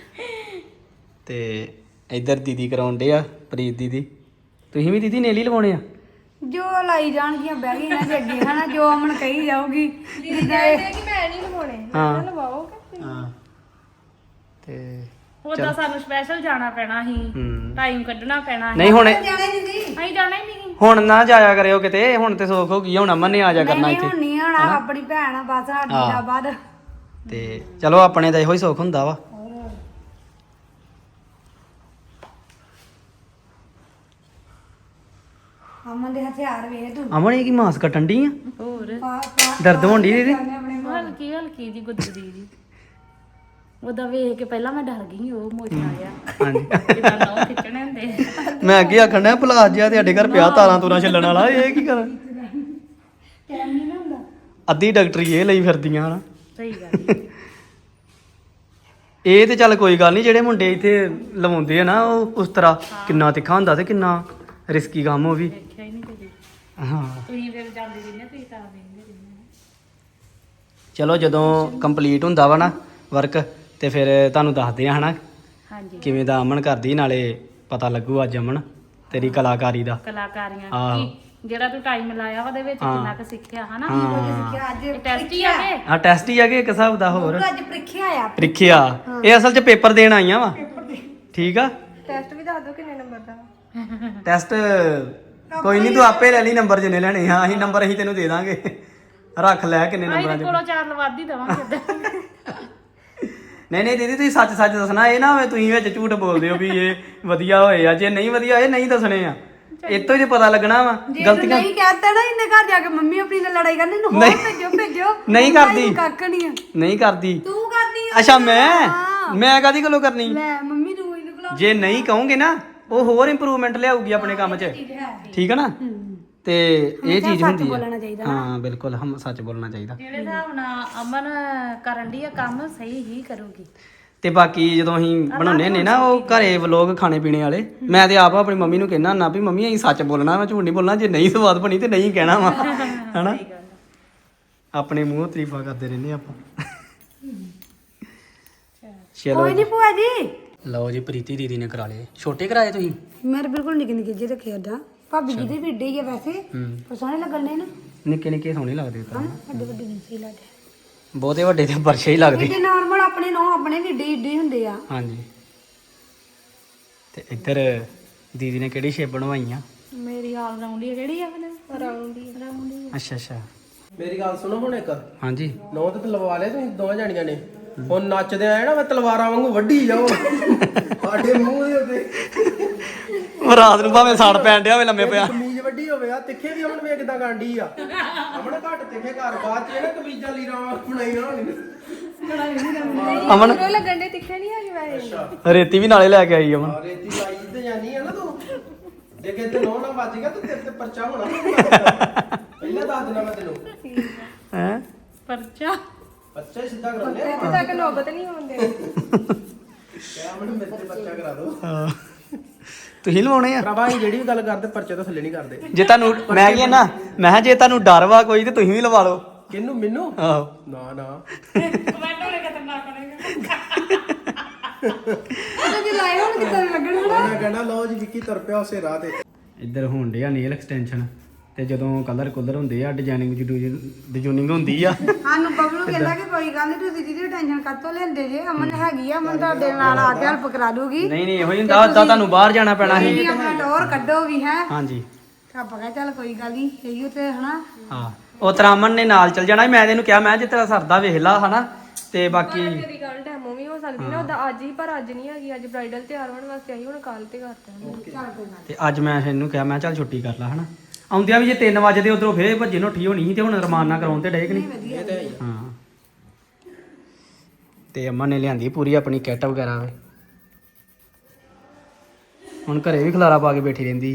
ਤੇ ਇੱਧਰ ਦੀਦੀ ਕਰਾਉਂਦੇ ਆ ਪ੍ਰੀਤ ਦੀਦੀ ਤੁਸੀਂ ਵੀ ਦੀਦੀ ਨੇਲ ਹੀ ਲਵਾਉਣੇ ਆ ਜੋ ਲਾਈ ਜਾਣਗੀਆਂ ਬਹਿ ਗਈਆਂ ਨਾ ਅੱਗੇ ਹਨਾ ਜੋ ਅਮਨ ਕਹੀ ਜਾਊਗੀ ਜਿੱਦਾਂ ਇਹ ਕਿ ਮੈਂ ਨਹੀਂ ਲਵਾਉਣੇ ਹਾਂ ਲਵਾਓਗੇ ਹਾਂ ਤੇ ਉਹਦਾ ਸਾਨੂੰ ਸਪੈਸ਼ਲ ਜਾਣਾ ਪੈਣਾ ਸੀ ਹੂੰ ਟਾਈਮ ਕੱਢਣਾ ਪੈਣਾ ਸੀ ਨਹੀਂ ਹੁਣ ਜਾਣਾ ਹੀ ਨਹੀਂ ਅਸੀਂ ਜਾਣਾ ਹੀ ਨਹੀਂ ਹੁਣ ਨਾ ਜਾਇਆ ਕਰਿਓ ਕਿਤੇ ਹੁਣ ਤੇ ਸੋਖ ਹੋ ਗਈ ਆ, ਹੁਣ ਅਮਨ ਨੇ ਆ ਜਾ ਕਰਨਾ ਨਹੀਂ ਇੱਥੇ ਹੁਣ ਨਹੀਂ ਆਣਾ ਆਪਣੀ ਭੈਣ ਆ ਬਸ ਸਾਡੀ ਹਾਂ। ਦਾ ਬਾਅਦ ਤੇ ਚਲੋ ਆਪਣੇ ਦਾ ਇਹੋ ਹੀ ਸੁੱਖ ਹੁੰਦਾ ਵਾ ਅਮਨ ਦੇ ਹਥਿਆਰ ਵੇਖ ਤੂੰ ਅਮਨ ਇਹ ਕੀ ਮਾਸ ਕੱਟਣ ਡਈ ਆ ਹੋਰ ਪਾ ਪਾ ਦਰਦ ਹੋਣ ਡਈ ਦੀਦੀ ਹਲਕੀ ਹਲਕੀ ਜੀ ਗੁੱਦਰੀ ਜੀ ਉਹਦਾ ਵੇਖ ਕੇ ਪਹਿਲਾਂ ਮੈਂ ਡਰ ਗਈ ਉਹ ਮੋਚਾ ਗਿਆ ਹਾਂਜੀ ਕਿਦਾਂ ਨਾ ਖਿੱਚਣੇ ਹੁੰਦੇ ਮੈਂ ਅੱਗੇ ਆਖਣ ਡਿਆ ਪਲਾਸ ਜਿਹਾ ਤੁਹਾਡੇ ਘਰ ਪਿਆ ਤਾਰਾਂ ਤੂਰਾਂ ਛੱਲਣ ਵਾਲਾ ਇਹ ਕੀ ਕਰਾਂ ਟਾਈਮ ਨਹੀਂ ਨਾ ਹੁੰਦਾ ਅੱਧੀ ਡਾਕਟਰੀ ਇਹ ਲਈ ਫਿਰਦੀਆਂ ਹਨਾ ਸਹੀ ਗੱਲ ਇਹ ਤੇ ਚੱਲ ਕੋਈ ਗੱਲ ਨਹੀਂ ਜਿਹੜੇ ਮੁੰਡੇ ਇੱਥੇ ਲਵਾਉਂਦੇ ਆ ਨਾ ਉਹ ਉਸ ਤਰ੍ਹਾਂ ਕਿੰਨਾ ਤਿੱਖਾ ਹੁੰਦਾ ਤੇ ਕਿੰਨਾ ਰਿਸਕੀ ਕੰਮ ਉਹ ਵੀ ਦੇਖਿਆ ਹੀ ਨਹੀਂ ਕਦੀ ਹਾਂ ਤੁਸੀਂ ਫਿਰ ਜਾਂਦੇ ਜਿੰਨੇ ਤੁਸੀਂ ਤਾਂ ਵੇਂਦੇ ਰਹਿੰਦੇ ਚਲੋ ਜਦੋਂ ਕੰਪਲੀਟ ਹੁੰਦਾ ਵਾ ਨਾ ਵਰਕ ਤੇ ਫਿਰ ਤੁਹਾਨੂੰ ਦੱਸਦੇ ਆ ਹਨਾ ਹਾਂਜੀ ਕਿਵੇਂ ਦਾ ਅਮਨ ਕਰਦੀ ਨਾਲੇ ਪਤਾ ਲੱਗੂ ਅੱਜ ਅਮਨ ਤੇਰੀ ਕਲਾਕਾਰੀ ਦਾ ਕਲਾਕਾਰੀਆਂ ਆਹੋ। ਕੀ ਜਿਹੜਾ ਤੂੰ ਟਾਈਮ ਲਾਇਆ ਉਹਦੇ ਵਿੱਚ ਹਾਂ। ਕਿੰਨਾ ਕੁ ਸਿੱਖਿਆ ਹਨਾ ਹਾਂ ਕਿ ਅੱਜ ਇਹ ਟੈਸਟ ਹੀ ਆ ਗਏ ਆ ਟੈਸਟ ਹੀ ਆ ਕਿ ਇੱਕ ਹਿਸਾਬ ਦਾ ਹੋਰ ਅੱਜ ਪ੍ਰੀਖਿਆ ਆ ਪ੍ਰੀਖਿਆ ਇਹ ਅਸਲ 'ਚ ਪੇਪਰ ਦੇਣ ਆਈਆਂ ਵਾ ਠੀਕ ਆ ਟੈਸਟ ਵੀ ਦੱਸ ਦਿਓ ਕਿੰਨੇ ਨੰਬਰ ਦਾ ਟੈਸਟ ਕੋਈ ਨਹੀਂ ਤੂੰ ਆਪੇ ਲੈ ਲਈ ਨੰਬਰ ਜਿੰਨੇ ਲੈਣੇ ਆ ਅਸੀਂ ਨੰਬਰ ਅਸੀਂ ਤੈਨੂੰ ਦੇ ਦਾਂਗੇ ਰੱਖ ਲੈ ਕਿੰਨੇ ਅਸੀਂ ਨੰਬਰਾਂ ਤੇ 'ਚ ਕੋਲੋਂ ਚਾਰ ਲਵਾਦ ਹੀ ਦਵਾਂਗੇ ਏਦਾਂ। ਨਹੀਂ ਨਹੀਂ ਦੀਦੀ ਤੁਸੀਂ ਸੱਚ ਸੱਚ ਦੱਸਣਾ ਇਹ ਨਾ ਹੋਵੇ ਤੁਸੀਂ ਵਿੱਚ ਝੂਠ ਬੋਲਦੇ ਹੋ ਵੀ ਇਹ ਵਧੀਆ ਹੋਏ ਆ ਜੇ ਨਹੀਂ ਵਧੀਆ ਇਹ ਨਹੀਂ ਦੱਸਣੇ ਆ ਇਹ ਤੋਂ ਹੀ ਤੇ ਪਤਾ ਲੱਗਣਾ ਵਾ ਜੇ ਤੂੰ ਗਲਤੀਆਂ ਨਹੀਂ ਕਹਤਾ ਨਾ ਇਹਨੇ ਘਰ ਜਾ ਕੇ ਮੰਮੀ ਆਪਣੀ ਨਾਲ ਲੜਾਈ ਕਰਨੀ ਨੂੰ ਹੋਰ ਨਹੀਂ। ਭੇਜੋ ਭੇਜੋ ਨਹੀਂ ਮੰਮਾ ਕਰਦੀ। ਇਹਨੂੰ ਕੱਖ ਨਹੀਂ ਆ ਨਹੀਂ ਕਰਦੀ ਤੂੰ ਕਰਦੀ ਆ ਅੱਛਾ ਮੈਂ ਹਾਂ। ਮੈਂ ਕਾਦੀ ਗੱਲੋਂ ਕਰਨੀ ਲੈ ਮੰਮੀ ਨੂੰ ਇਹਨੂੰ ਬੁਲਾ ਜੇ ਨਹੀਂ ਕਹੋਗੇ ਨਾ ਉਹ ਹੋਰ ਇੰਪਰੂਵਮੈਂਟ ਲਿਆਊਗੀ ਆਪਣੇ ਕੰਮ 'ਚ ਠੀਕ ਹੈ ਨਾ ਤੇ ਇਹ ਚੀਜ਼ ਹੁੰਦੀ ਬੋਲਣਾ ਹੈ ਚਾਹੀਦਾ ਹਾਂ ਬਿਲਕੁਲ ਹਮ ਸੱਚ ਬੋਲਣਾ ਚਾਹੀਦਾ ਜਿਹੜੇ ਹਿਸਾਬ ਨਾਲ ਅਮਨ ਕਰਨ ਦੀ ਆ ਕੰਮ ਸਹੀ ਹੀ ਕਰੂਗੀ ਤੇ ਬਾਕੀ ਜਦੋਂ ਅਸੀਂ ਬਣਾਉਂਦੇ ਹੁੰਦੇ ਨਾ ਉਹ ਘਰੇ ਵਲੋਗ ਖਾਣੇ ਪੀਣੇ ਵਾਲੇ ਮੈਂ ਤੇ ਆਪ ਆਪਣੀ ਮੰਮੀ ਨੂੰ ਕਹਿਣਾ ਹੁੰਦਾ ਵੀ ਮੰਮੀ ਅਸੀਂ ਸੱਚ ਬੋਲਣਾ ਮੈਂ ਝੂਠ ਨਹੀਂ ਬੋਲਣਾ ਜੇ ਨਹੀਂ ਸਵਾਦ ਬਣੀ ਤੇ ਨਹੀਂ ਕਹਿਣਾ ਵਾ ਹਨਾ ਆਪਣੇ ਮੂੰਹੋਂ ਤਾਰੀਫਾਂ ਕਰਦੇ ਰਹਿੰਦੇ ਆਪਾਂ ਚਲੋ ਕੋਈ ਨਹੀਂ ਭੂਆ ਜੀ ਲਓ ਜੀ ਪ੍ਰੀਤੀ ਦੀਦੀ ਨੇ ਕਰਾ ਲਏ ਛੋਟੇ ਕਰਾਏ ਤੁਸੀਂ ਮੇਰੇ ਬਿਲਕੁਲ ਨਿੱਕੇ ਨਿੱਕੇ ਜਿਹੇ ਰੱਖੇ ਓਦਾਂ ਭਾਬੀ ਜੀ ਦੇ ਵੀ ਏਡੇ ਹੀ ਆ ਵੈਸੇ ਹੂੰ ਪਰ ਸੋਹਣੇ ਲੱਗਣ ਨੇ ਨਾ ਨਿੱਕੇ ਨਿੱਕੇ ਸੋਹਣੇ ਲੱਗਦੇ ਤਾਂ ਵੱਡੇ ਵੱਡੇ ਨਹੀਂ ਸਹੀ ਲੱਗਦੇ ਬਹੁਤੇ ਵੱਡੇ ਤੇ ਪਰਛੇ ਹੀ ਲੱਗਦੇ ਏਡੇ ਨਾਰਮਲ ਆਪਣੇ ਨੌ ਆਪਣੇ ਵੀ ਏਡੇ ਏਡੇ ਹੁੰਦੇ ਆ ਹਾਂਜੀ ਤੇ ਇੱਧਰ ਦੀਦੀ ਨੇ ਕਿਹੜੀ ਸ਼ੇਪ ਬਣਵਾਈ ਆ ਮੇਰੀ ਆਲ ਰਾਉਂਡ ਹੀ ਕਿਹੜੀ ਆ ਮੈਨੂੰ ਰਾਉਂਡ ਹੀ ਰਾਉਂਡ ਹੀ ਅੱਛਾ ਅੱਛਾ ਮੇਰੀ ਗੱਲ ਸੁਣੋ ਹੁਣ ਇੱਕ ਹਾਂਜੀ ਨੌ ਤੇ ਲਵਾ ਲਿਆ ਤੁਸੀਂ ਦੋਵਾਂ ਜਾਣੀਆਂ ਨੇ ਹੁਣ ਨੱਚਦੇ ਆਏ ਨਾ ਮੈਂ ਤਲਵਾਰਾਂ ਵਾਂਗੂ ਵੱਢੀ ਜਾਓ ਸਾਡੇ ਮੂੰਹ ਦੇ ਉੱਤੇ ਉਹ ਰਾਤ ਨੂੰ ਭਾਵੇਂ ਸੜ ਪੈਣ ਡਿਆ ਹੋਵੇ ਲੰਮੇ ਪਿਆ ਕਮੀਜ਼ ਵੱਡੀ ਹੋਵੇ ਆ ਤਿੱਖੇ ਵੀ ਅਮਨ ਵੇ ਕਿਦਾਂ ਕਾਂਡੀ ਆ ਅਮਨ ਘੱਟ ਤਿੱਖੇ ਘਰ ਬਾਅਦ ਚ ਇਹ ਨਾ ਕਮੀਜ਼ਾਂ ਲੀਰਾਂ ਬਣਾਈਆਂ ਹੋਣੀਆਂ ਅਮਨ ਉਹ ਲੱਗਣ ਦੇ ਤਿੱਖੇ ਨਹੀਂ ਹੈਗੇ ਵੈਸੇ ਰੇਤੀ ਵੀ ਨਾਲੇ ਲੈ ਕੇ ਆਈ ਅਮਨ ਆ ਰੇਤੀ ਲਾਈ ਤੇ ਜਾਨੀ ਆ ਨਾ ਤੂੰ ਜੇ ਕਿਤੇ ਨੌ ਨਾ ਵੱਜ ਗਿਆ ਤੇ ਤੇਰੇ ਤੇ ਪਰਚਾ ਹੋਣਾ ਪਹਿਲਾਂ ਦੱਸ ਦੇਣਾ ਮੈਂ ਤੈਨੂੰ ਹੈ ਪਰਚਾ ਪਰਚਾ ਹੀ ਸਿੱਧਾ ਕਰਾਉਂਦੇ ਆ ਇੱਥੇ ਤੱਕ ਨੌਬਤ ਨਹੀਂ ਆਉਂਦੇ ਕਹਿ ਅਮਨ ਮੇਰੇ ਤੇ ਪਰਚਾ ਕਰਾ ਦੋ ਤੁਸੀਂ ਲਵਾਉਣੇ ਆ ਭਰਾਵਾ ਅਸੀਂ ਜਿਹੜੀ ਵੀ ਗੱਲ ਕਰਦੇ ਪਰਚੇ ਤੋਂ ਥੱਲੇ ਨਹੀਂ ਕਰਦੇ ਜੇ ਤੁਹਾਨੂੰ ਮੈਂ ਕੀ ਨਾ ਮੈਂ ਕਿਹਾ ਜੇ ਤੁਹਾਨੂੰ ਡਰ ਵਾ ਕੋਈ ਤੇ ਤੁਸੀਂ ਵੀ ਲਵਾ ਲਓ ਕਿਹਨੂੰ ਮੈਨੂੰ ਆਹੋ ਨਾ ਨਾ ਕਮੈਂਟ ਹੋਣੇ ਖਤਰਨਾਕ ਹੋਣਗੇ ਉਹਨਾਂ ਦੇ ਲਾਏ ਹੁਣ ਕਿੱਦਾਂ ਲੱਗਣ ਮੈਂ ਕਹਿੰਦਾ ਲਓ ਜੀ ਵਿੱਕੀ ਤੁਰ ਪਿਆ ਉਸੇ ਰਾਹ ਤੇ ਇੱਧਰ ਹੋਣ ਡਿਆ ਨੇਲ ਐਕਸਟੈਂਸ਼ਨ ਤੇ ਜਦੋਂ ਕਲਰ ਕੁਲਰ ਹੁੰਦੇ ਆ ਡਿਜ਼ਾਈਨਿੰਗ ਡਿਜ਼ਾਈਨਿੰਗ ਹੁੰਦੀ ਆ ਸਾਨੂੰ ਬਬਲੂ ਕਹਿੰਦਾ ਕਿ ਕੋਈ ਗੱਲ ਨਹੀਂ ਤੁਸੀਂ ਦੀਦੀ ਟੈਨਸ਼ਨ ਕਾਤੋਂ ਲੈਂਦੇ ਜੇ ਅਮਨ ਹੈਗੀ ਆ ਅਮਨ ਤੁਹਾਡੇ ਨਾਲ ਆ ਕੇ ਹੈਲਪ ਕਰਾ ਦੂਗੀ ਨਹੀਂ ਨਹੀਂ ਇਹੋ ਹੀ ਹੁੰਦਾ ਉਦਾਂ ਤੁਹਾਨੂੰ ਬਾਹਰ ਜਾਣਾ ਪੈਣਾ ਸੀ ਤੁਸੀਂ ਆਪਣਾ ਟੋਰ ਕੱਢੋ ਵੀ ਹੈ ਹਾਂਜੀ ਆਪਾਂ ਕਹਾਂ ਚੱਲ ਕੋਈ ਗੱਲ ਨਹੀਂ ਇਹੀ ਤੇ ਹਨਾ ਹਾਂ ਉਹ ਤਰਾਮਨ ਨੇ ਨਾਲ ਚੱਲ ਜਾਣਾ ਸੀ। ਮੈਂ ਇਹਨੂੰ ਕਿਹਾ ਮੈਂ ਜੇ ਤੇਰਾ ਸਰਦਾ ਵੇਖ ਲਾ ਹਨਾ ਤੇ ਬਾਕੀ ਮੇਰੀ ਗੱਲ ਡੈਮੋ ਵੀ ਹੋ ਸਕਦੀ ਨਾ ਉਹਦਾ ਅੱਜ ਹੀ ਪਰ ਅੱਜ ਨਹੀਂ ਹੈਗੀ ਅੱਜ ਬ੍ਰਾਈਡਲ ਤਿਆਰ ਹੋਣ ਵਾਸਤੇ ਆਈ ਹੁਣ ਕੱਲ ਤੇ ਕਰਤਾ ਤੇ ਅੱਜ ਮੈਂ ਇਹਨੂੰ ਕਿਹਾ ਮੈਂ ਚੱਲ ਛੁੱਟੀ ਕਰ ਲਾ ਹਨਾ ਆਉਂਦਿਆਂ ਵੀ ਜੇ ਤਿੰਨ ਵਜੇ ਉਧਰੋਂ ਫੇਰ ਭੱਜੇ ਨੋਠੀ ਹੋਣੀ ਸੀ ਤੇ ਹੁਣ ਰਮਾਨਾ ਕਰਾਉਣ ਤੇ ਡੇ ਕਿ ਨਹੀਂ ਹਾਂ ਤੇ ਅੰਮਾ ਨੇ ਲਿਆਂਦੀ ਪੂਰੀ ਆਪਣੀ ਕਿੱਟ ਵਗੈਰਾ ਵੇ ਹੁਣ ਘਰੇ ਵੀ ਖਲਾਰਾ ਪਾ ਕੇ ਬੈਠੀ ਰਹਿੰਦੀ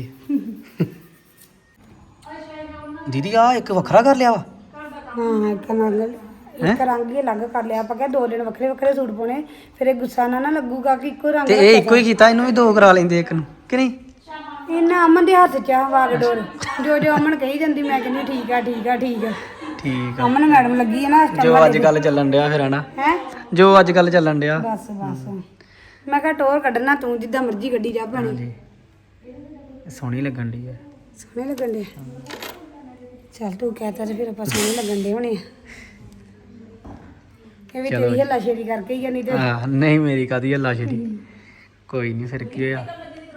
ਦੀਦੀ ਆ ਇੱਕ ਵੱਖਰਾ ਕਰ ਲਿਆ ਵਾ ਹਾਂ ਇੱਕ ਨਾਲ ਇੱਕ ਰੰਗ ਹੀ ਅਲੱਗ ਕਰ ਲਿਆ ਆਪਾਂ ਕਿਹਾ ਦੋ ਦਿਨ ਵੱਖਰੇ ਵੱਖਰੇ ਸੂਟ ਪਾਉਣੇ ਫਿਰ ਇਹ ਗੁੱਸਾ ਨਾ ਨਾ ਲੱਗੂਗਾ ਕਿ ਇੱਕੋ ਰੰਗ ਤੇ ਇਹ ਇੱਕੋ ਹੀ ਕੀਤਾ ਇਹਨੂੰ ਵੀ ਦੋ ਕਰਾ ਲੈਂਦੇ ਇੱਕ ਨੂੰ ਕਿ ਨਹੀਂ ਇਹਨਾਂ ਅਮਨ ਦੇ ਹੱਥ 'ਚ ਆ ਵਾਗਡੋਰ ਜੋ ਜੋ ਅਮਨ ਕਹੀ ਜਾਂਦੀ ਮੈਂ ਕਹਿੰਦੀ ਠੀਕ ਆ ਠੀਕ ਆ ਠੀਕ ਆ ਠੀਕ ਆ ਅਮਨ ਮੈਡਮ ਲੱਗੀ ਹੈ ਨਾ ਇਸ ਜੋ ਅੱਜ ਕੱਲ ਚੱਲਣ ਡਿਆ ਫਿਰ ਹਨਾ ਹੈ ਜੋ ਅੱਜ ਕੱਲ ਚੱਲਣ ਡਿਆ ਬਸ ਬਸ ਮੈਂ ਕਿਹਾ ਟੋਰ ਕੱਢਣਾ ਤੂੰ ਜਿੱਦਾਂ ਮਰਜ਼ੀ ਗੱਡੀ ਜਾ ਪਾਣੀ ਹਾਂਜੀ ਸੋਹਣੀ ਲੱਗਣ ਡਈ ਆ ਸੋਹਣੇ ਲੱਗਣ ਦੇ ਚੱਲ ਤੂੰ ਕਹਤਾ ਤੇ ਫਿਰ ਆਪਾਂ ਸੋਹਣੇ ਲੱਗਣ ਦੇ ਹੋਣੇ ਆ ਇਹ ਵੀ ਤੇਰੀ ਹੱਲਾ ਸ਼ੇਰੀ ਕਰਕੇ ਹੀ ਆ ਨਹੀਂ ਤੇ ਹਾਂ ਨਹੀਂ ਮੇਰੀ ਕਾਦੀ ਹੱਲਾ ਛੇੜੀ ਕੋਈ ਨਹੀਂ ਫਿਰ ਕੀ ਹੋਇਆ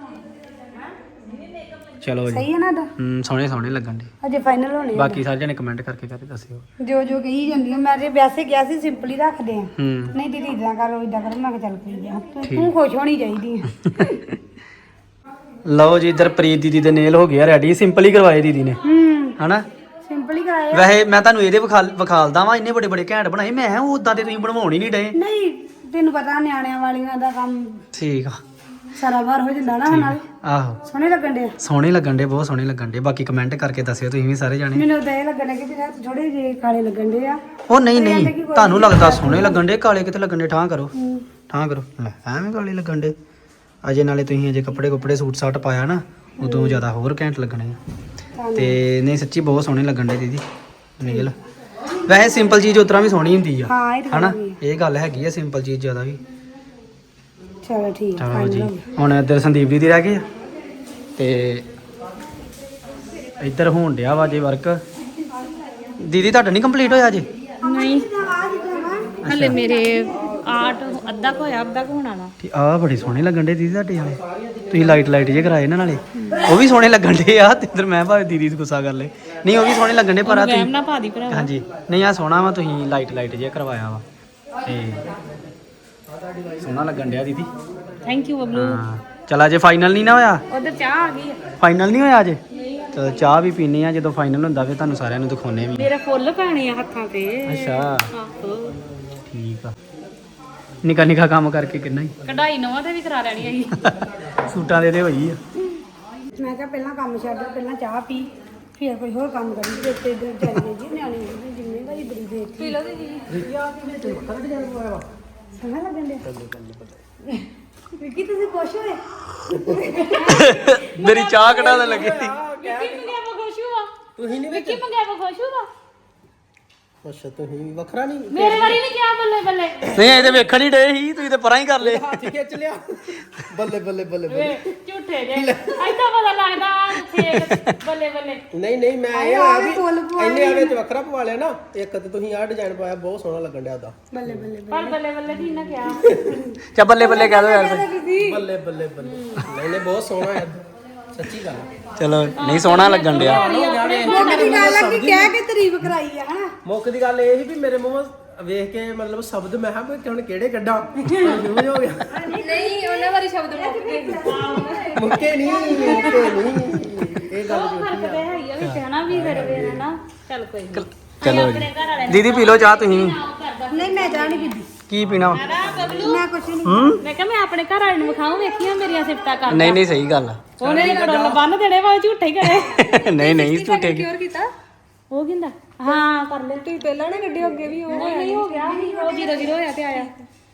ਚਲੋ ਜੀ ਸਹੀ ਹੈ ਨਾ ਦਾ ਹੂੰ ਸੋਹਣੇ ਸੋਹਣੇ ਲੱਗਣ ਡੇ ਅਜੇ ਫਾਈਨਲ ਹੋਣੇ ਆ। ਬਾਕੀ ਸਾਰੇ ਜਣੇ ਕਮੈਂਟ ਕਰਕੇ ਕਰਕੇ ਦੱਸਿਓ ਜੋ ਜੋ ਕਹੀ ਜਾਂਦੀਆਂ ਮੈਂ ਤੇ ਵੈਸੇ ਕਿਹਾ ਸੀ ਸਿੰਪਲ ਹੀ ਰੱਖਦੇ ਆ ਹੂੰ ਨਹੀਂ ਦੀਦੀ ਇਦਾਂ ਕਰੋ ਇਦਾਂ ਕਰੋ ਮੈਂ ਕਿਹਾ ਚੱਲ ਕੋਈ ਆ ਤੂੰ ਤੂੰ ਖੁਸ਼ ਹੋਣੀ ਚਾਹੀਦੀ ਆ ਲਓ ਜੀ ਇੱਧਰ ਪ੍ਰੀਤ ਦੀਦੀ ਦੇ ਨੇਲ ਹੋ ਗਿਆ ਰੈਡੀ ਸਿੰਪਲ ਹੀ ਕਰਵਾਏ ਦੀਦੀ ਨੇ ਹੂੰ ਹਨਾ ਸਿੰਪਲ ਹੀ ਕਰਾਇਆ ਵੈਸੇ ਮੈਂ ਤੁਹਾਨੂੰ ਇਹਦੇ ਵਿਖਾਲ ਵਿਖਾਲਦਾ ਵਾਂ ਇੰਨੇ ਬੜੇ ਬੜੇ ਘੈਂਟ ਬਣਾਏ ਮੈਂ ਕਿਹਾ ਉਦਾਂ ਦੇ ਤੁਸੀਂ ਬਣਵਾਉਣ ਹੀ ਨਹੀਂ ਡਏ ਨਹੀਂ ਤੈਨੂੰ ਪਤਾ ਨਿਆਣਿਆਂ ਵਾਲੀਆਂ ਦਾ ਕੰਮ ਠੀਕ ਆ ਸਾਰਾ ਵਾਰ ਹੋ ਜਾਂਦਾ ਨਾ ਨਾਲ ਆਹੋ ਸੋਹਣੇ ਲੱਗਣ ਦੇ ਸੋਹਣੇ ਲੱਗਣ ਡੇ ਬਹੁਤ ਸੋਹਣੇ ਲੱਗਣ ਡੇ ਬਾਕੀ ਕਮੈਂਟ ਕਰਕੇ ਦੱਸਿਓ ਤੁਸੀਂ ਵੀ ਸਾਰੇ ਜਾਣੇ ਮੈਨੂੰ ਤਾਂ ਇਹ ਲੱਗਣ ਕਿ ਤੇਰੇ ਹੱਥ ਥੋੜੇ ਜਿਹੇ ਕਾਲੇ ਲੱਗਣ ਦੇ ਆ ਉਹ ਨਹੀਂ ਨਹੀਂ ਤੁਹਾਨੂੰ ਲੱਗਦਾ ਸੋਹਣੇ ਲੱਗਣ ਡੇ ਕਾਲੇ ਕਿਤੇ ਲੱਗਣ ਡੇ ਠਾਂ ਕਰੋ ਠਾਂ ਕਰੋ ਲੈ ਐਵੇਂ ਕਾਲੇ ਲੱਗਣ ਡੇ ਅਜੇ ਨਾਲੇ ਤੁਸੀਂ ਅਜੇ ਕੱਪੜੇ ਕੁੱਪੜੇ ਸੂਟ ਸਾਟ ਪਾਇਆ ਨਾ ਉਦੋਂ ਜ਼ਿਆਦਾ ਹੋਰ ਘੈਂਟ ਲੱਗਣੇ ਆ ਤੇ ਨਹੀਂ ਸੱਚੀ ਬਹੁਤ ਸੋਹਣੇ ਲੱਗਣ ਡੇ ਦੀਦੀ ਨੀਲ ਵੈਸੇ ਸਿੰਪਲ ਚੀਜ਼ ਉਤਰਾ ਵੀ ਸੋਹਣੀ ਹੁੰਦੀ ਆ ਹਾਂ ਇਹ ਤਾਂ ਹਨਾ ਇਹ ਗੱਲ ਹੈਗੀ ਆ ਸਿੰਪਲ ਚੀਜ਼ ਜ਼ਿਆਦਾ ਵੀ ਚਲੋ ਠੀਕ ਚਲੋ ਜੀ ਹੁਣ ਇੱਧਰ ਸੰਦੀਪ ਦੀ ਰਹਿ ਗਏ ਆ ਤੇ ਇੱਧਰ ਹੋਣ ਡਿਆ ਵਾ ਜੇ ਵਰਕ ਦੀਦੀ ਤੁਹਾਡਾ ਨਹੀਂ ਕੰਪਲੀਟ ਹੋਇਆ ਜੇ ਨਹੀਂ ਹਲੇ ਮੇਰੇ ਆਰਟ ਅੱਧਾ ਕੁ ਹੋਇਆ ਅੱਧਾ ਕੁ ਹੋਣਾ ਵਾ ਠੀਕ ਆ ਬੜੇ ਸੋਹਣੇ ਲੱਗਣ ਡੇ ਦੀਦੀ ਤੁਹਾਡੇ ਵਾਲੇ ਤੁਸੀਂ ਲਾਈਟ ਲਾਈਟ ਜੇ ਕਰਾਏ ਨਾ ਨਾਲੇ ਉਹ ਵੀ ਸੋਹਣੇ ਲੱਗਣ ਡੇ ਆ ਤੇ ਇੱਧਰ ਮੈਂ ਭਾਵੇਂ ਦੀਦੀ ਨੂੰ ਗੁੱਸਾ ਕਰ ਲੇ ਨਹੀਂ ਉਹ ਵੀ ਸੋਹਣੇ ਲੱਗਣ ਡੇ ਪਰ ਆ ਤੁਸੀਂ ਨਾ ਪਾ ਦੀ ਭਰਾ ਹਾਂਜੀ ਨਹੀਂ ਆ ਸੋਹਣਾ ਵਾ ਤੁਸੀਂ ਲਾਈਟ ਲਾਈਟ ਜੇ ਕਰਵਾਇਆ ਵਾ ਤੇ ਸੋਹਣਾ ਲੱਗਣ ਡਿਆ ਦੀਦੀ ਥੈਂਕ ਯੂ ਬਬਲੂ ਹਾਂ ਚਲ ਅਜੇ ਫਾਈਨਲ ਨਹੀਂ ਨਾ ਹੋਇਆ ਉਧਰ ਚਾਹ ਆ ਗਈ ਫਾਈਨਲ ਨਹੀਂ ਹੋਇਆ ਅਜੇ ਚਲੋ ਚਾਹ ਵੀ ਪੀਣੀ ਆ ਜਦੋਂ ਫਾਈਨਲ ਹੁੰਦਾ ਫਿਰ ਤੁਹਾਨੂੰ ਸਾਰਿਆਂ ਨੂੰ ਦਿਖਾਉਣੇ ਵੀ ਮੇਰੇ ਫੁੱਲ ਪੈਣੇ ਆ ਹੱਥਾਂ ਤੇ ਅੱਛਾ ਆਹੋ ਠੀਕ ਆ ਨਿੱਕਾ ਨਿੱਕਾ ਕੰਮ ਕਰਕੇ ਕਿੰਨਾ ਹੀ ਕਢਾਈ ਨਵਾਂ ਤੇ ਵੀ ਕਰਾ ਲੈਣੀ ਆਈ ਸੂਟਾਂ ਦੇ ਤੇ ਹੋਈ ਆ ਮੈਂ ਕਿਹਾ ਪਹਿਲਾਂ ਕੰਮ ਛੱਡ ਪਹਿਲਾਂ ਚਾਹ ਪੀ ਫਿਰ ਕੋਈ ਹੋਰ ਕੰਮ ਕਰੀ ਤੇ ਤੇ ਇੱਧਰ ਚੱਲ ਗਏ ਜੀ ਨਿਆਣੇ ਦੀ ਜ਼ਿੰਮੇਵਾਰੀ ਬੜੀ ਦੇ ਦਿੱਤੀ ਪੀ ਲਓ ਜੀ ਸੋਹਣਾ ਲੱਗਣ ਦੇ ਵਿੱਕੀ ਤੁਸੀਂ ਖੁਸ਼ ਹੋਏ ਮੇਰੀ ਚਾਹ ਕਢਾਉਣ ਲੱਗੇ ਸੀ ਵਿੱਕੀ ਮੰਗਿਆ ਵਾ ਖੁਸ਼ ਹੋਆ ਤੁਸੀਂ ਨਹੀਂ ਵਿੱਕੀ ਮੰਗਿਆ ਵਾ ਖੁਸ਼ ਹੋਆ ਅੱਛਾ ਤੁਸੀਂ ਵੀ ਵੱਖਰਾ ਨਹੀਂ ਮੇਰੇ ਵਾਰੀ ਨਹੀਂ ਕਿਹਾ ਬੱਲੇ ਬੱਲੇ ਨਹੀਂ ਇਹ ਤੇ ਵੇਖਣ ਹੀ ਡੇ ਸੀ ਤੁਸੀਂ ਤੇ ਪਰਾਂ ਹੀ ਕਰ ਲਏ ਹੱਥ ਖਿੱਚ ਲਿਆ ਬੱਲੇ ਬੱਲੇ ਬੱਲੇ ਬੱਲੇ ਵੇ ਝੂਠੇ ਜੇ ਐਦਾਂ ਪਤਾ ਲੱਗਦਾ ਫੇਕ ਬੱਲੇ ਬੱਲੇ ਨਹੀਂ ਨਹੀਂ ਮੈਂ ਇਹ ਆ ਵੀ ਇੰਨੇ ਆ ਵਿੱਚ ਵੱਖਰਾ ਪਵਾ ਲਿਆ ਨਾ ਇੱਕ ਤੇ ਤੁਸੀਂ ਆਹ ਡਿਜ਼ਾਈਨ ਪਾਇਆ ਬਹੁਤ ਸੋਹਣਾ ਲੱਗਣ ਡਿਆ ਉਹਦਾ ਪਰ ਬੱਲੇ ਬੱਲੇ ਕੀ ਨਾ ਕਿਹਾ ਚਾ ਬੱਲੇ ਬੱਲੇ ਕਹਿ ਦੋ ਯਾਰ ਫਿਰ। ਬੱਲੇ ਬੱਲੇ ਬੱਲੇ ਨਹੀਂ ਨਹੀਂ ਬਹੁਤ ਸੋਹਣਾ ਹੈ ਸੱਚੀ ਗੱਲ ਹੈ। ਚਲੋ ਨਹੀਂ ਸੋਹਣਾ ਲੱਗਣ ਡਿਆ ਮੇਰੀ ਗੱਲ ਆ ਕਿ ਕਹਿ ਕੇ ਤਾਰੀਫ ਕਰਾਈ ਆ ਹਨਾ ਮੁੱਖ ਦੀ ਗੱਲ ਇਹ ਸੀ ਵੀ ਮੇਰੇ ਮੂੰਹੋਂ ਵੇਖ ਕੇ ਮਤਲਬ ਸ਼ਬਦ ਮੈਂ ਕਿਹਾ ਵੀ ਹੁਣ ਕਿਹੜੇ ਕੱਢਾਂ ਕਨਫਿਊਜ਼ ਹੋ ਗਿਆ ਨਹੀਂ ਉਹਨਾਂ ਵਾਰੀ ਸ਼ਬਦ ਮੁੱਕ ਗਏ ਮੁੱਕੇ ਨਹੀਂ ਮੁੱਕੇ ਨਹੀਂ ਇਹ ਗੱਲ ਉਹ ਫਰਕ ਤੇ ਹੈ ਹੀ ਆ ਵਿੱਚ ਹਨਾ ਵੀ ਫਿਰ ਵੇ ਹਨਾ ਚੱਲ ਕੋਈ ਨਹੀਂ ਚਲੋ ਜੀ ਦੀਦੀ ਪੀ ਲਓ ਚਾਹ ਤੁਸੀਂ ਨਹੀਂ ਮੈਂ ਚਾਹ ਨਹੀਂ ਪੀਂਦੀ ਕੀ ਪੀਣਾ ਵਾ? ਮੈਂ ਕੁਛ ਨਹੀਂ ਮੈਂ ਕਿਹਾ ਮੈਂ ਆਪਣੇ ਘਰ ਵਾਲੇ ਨੂੰ ਵਿਖਾਉਂ ਵੇਖੀਆਂ ਮੇਰੀਆਂ ਸਿਫਤਾਂ ਕਰ ਨਹੀਂ ਨਹੀਂ ਸਹੀ ਗੱਲ ਆ ਉਹਨੇ ਕਰੋਲ ਬੰਨ ਦੇਣੇ ਵਾ ਝੂਠੇ ਹੀ ਕਰੇ ਨਹੀਂ ਨਹੀਂ ਝੂਠੇ ਕੀ- ਕੀਤਾ ਉਹ ਕਹਿੰਦਾ ਹਾਂ ਕਰ ਲੈ ਤੂੰ ਪਹਿਲਾਂ ਨਾ ਗੱਡੀ ਅੱਗੇ ਵੀ ਉਹ ਨਹੀਂ ਹੋ ਗਿਆ ਉਹ ਜੀਰੋ ਜੀਰੋ ਹੋਇਆ ਤੇ ਆਇਆ